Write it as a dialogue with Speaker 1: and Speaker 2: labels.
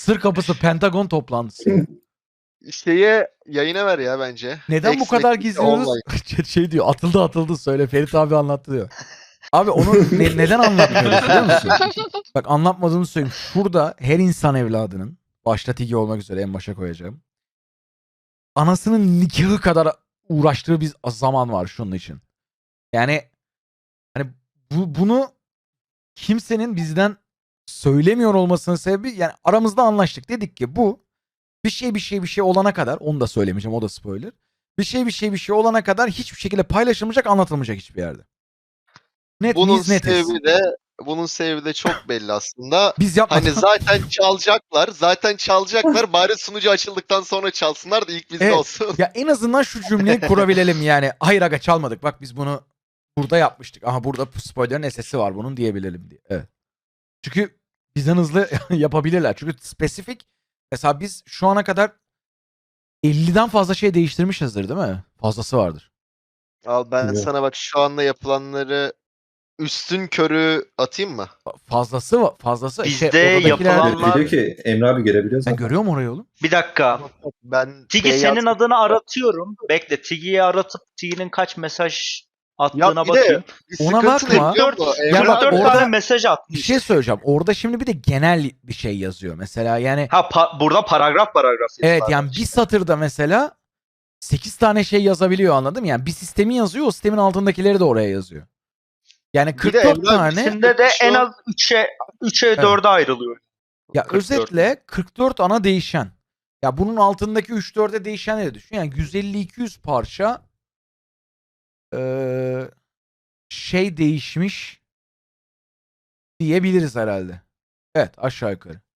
Speaker 1: Sır kapısı Pentagon toplantısı ya.
Speaker 2: Şeye yayına ver ya bence.
Speaker 1: Neden bu
Speaker 2: Ex
Speaker 1: kadar
Speaker 2: Mekik'te
Speaker 1: gizliyoruz?
Speaker 2: online.
Speaker 1: Şey diyor, atıldı söyle. Ferit abi anlattı diyor. Abi onu neden anlatmıyoruz biliyor musun? Bak anlatmadığımı söyleyeyim. Şurada her insan evladının, başta Tigi olmak üzere en başa koyacağım, anasının nikahı kadar uğraştığı bir zaman var şunun için. Yani hani bunu kimsenin bizden söylemiyor olmasının sebebi, yani aramızda anlaştık. Dedik ki bu bir şey olana kadar, onu da söylemeyeceğim, o da spoiler. Bir şey olana kadar hiçbir şekilde paylaşılmayacak, anlatılmayacak hiçbir yerde. Netiz.
Speaker 2: Bunun sebebi de çok belli aslında.
Speaker 1: Biz yapmadan
Speaker 2: Hani zaten çalacaklar. Bari sunucu açıldıktan sonra çalsınlar da ilk bizde
Speaker 1: evet.
Speaker 2: olsun.
Speaker 1: Ya en azından şu cümleyi kurabilelim yani. Hayır aga çalmadık. Bak biz bunu burada yapmıştık. Aha burada spoiler'ın sesi var bunun diyebilelim diye. Evet. Çünkü bizden hızlı yapabilirler. Çünkü spesifik, mesela biz şu ana kadar 50'den fazla şey değiştirmişizdir değil mi? Fazlası vardır.
Speaker 2: Al ben
Speaker 3: Evet.
Speaker 2: sana bak şu anda yapılanları üstün körü atayım mı?
Speaker 1: Fazlası.
Speaker 4: Bizde
Speaker 1: odadakiler...
Speaker 4: yapılanlar-
Speaker 3: Biliyor ki Emre abi görebiliyor
Speaker 1: Sen
Speaker 3: zaten.
Speaker 1: görüyor musun orayı oğlum?
Speaker 4: Bir dakika.
Speaker 2: Ben
Speaker 4: Tigi
Speaker 2: şey
Speaker 4: senin
Speaker 2: yazdım.
Speaker 4: adını aratıyorum. Bekle. Tigi'yi aratıp Tigi'nin kaç mesaj
Speaker 2: Ya
Speaker 4: attığına
Speaker 2: bir de
Speaker 4: bakayım.
Speaker 2: bir
Speaker 1: Ona
Speaker 2: sıkıntı
Speaker 1: bakma.
Speaker 2: ne biliyor musun?
Speaker 1: Ya
Speaker 2: Emre
Speaker 1: bak,
Speaker 2: abi,
Speaker 4: 44
Speaker 1: orada
Speaker 4: tane mesaj
Speaker 1: Bir
Speaker 4: atmış.
Speaker 1: şey söyleyeceğim. Orada şimdi bir de genel bir şey yazıyor. Mesela yani
Speaker 4: Burada paragraf
Speaker 1: evet,
Speaker 4: yazılar
Speaker 1: yani
Speaker 4: var
Speaker 1: bir
Speaker 4: işte.
Speaker 1: satırda mesela 8 tane şey yazabiliyor, anladın mı? Yani bir sistemi yazıyor, o sistemin altındakileri de oraya yazıyor. Yani
Speaker 2: Bir de
Speaker 1: 44
Speaker 2: Emre abi,
Speaker 1: tane.
Speaker 4: İkisinde de
Speaker 2: Şu-
Speaker 4: en az 3'e 4'e ayrılıyor.
Speaker 1: Ya
Speaker 4: 44
Speaker 1: özetle 44 ana değişen. Ya bunun altındaki 3-4'e değişenleri düşün. Yani 150-200 parça şey değişmiş diyebiliriz herhalde. Evet, aşağı yukarı.